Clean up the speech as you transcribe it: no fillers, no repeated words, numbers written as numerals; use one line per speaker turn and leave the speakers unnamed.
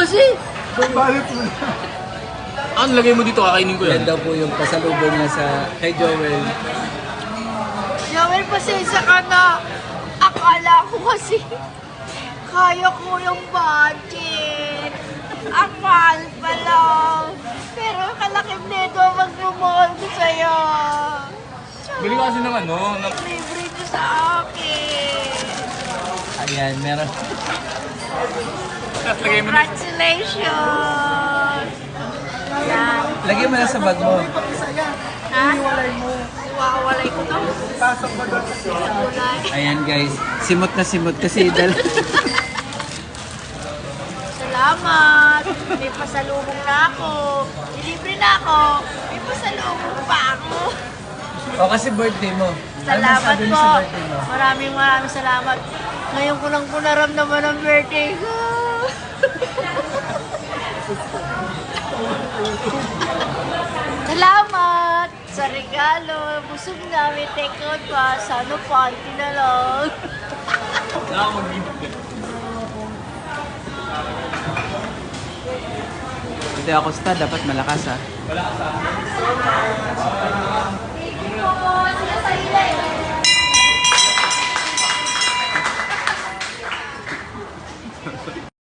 kasi.
Bakit mo?
Ano lagay mo dito? Kakainin ko
Yan
yan.
daw po yung pasalubong niya sa kay Joel.
Joel, pasensya ka na. Akala ko kasi kaya ko yung budget. Ang mahal pa lang. Pero kalaking neto ang magmamahal ko sa'yo.
Bili ka kasi ng ano.
Libre niyo sa akin.
Ayan, meron.
Tapos lagay mo na.
Congratulations! Yan.
Lagyan mo na sa bag mo.
Ha? Iwawalay ko to.
Pasok mo doon sa sila.
Iwalay.
Ayan guys, simot na simot kasi
Salamat! May pasalubong na ako. Ilibre na ako. May pasalubong pa ako.
O kasi birthday mo.
Salamat
masabi mo
po.
sa birthday mo?
Maraming salamat. Ngayon ko lang po naramdaman ang birthday ko. Salamat sa regalo. Busog na. May take out pa. Sana panty na lang.
Wala akong magbibigay.
Ito ako dapat malakas ha.
Wala ka sa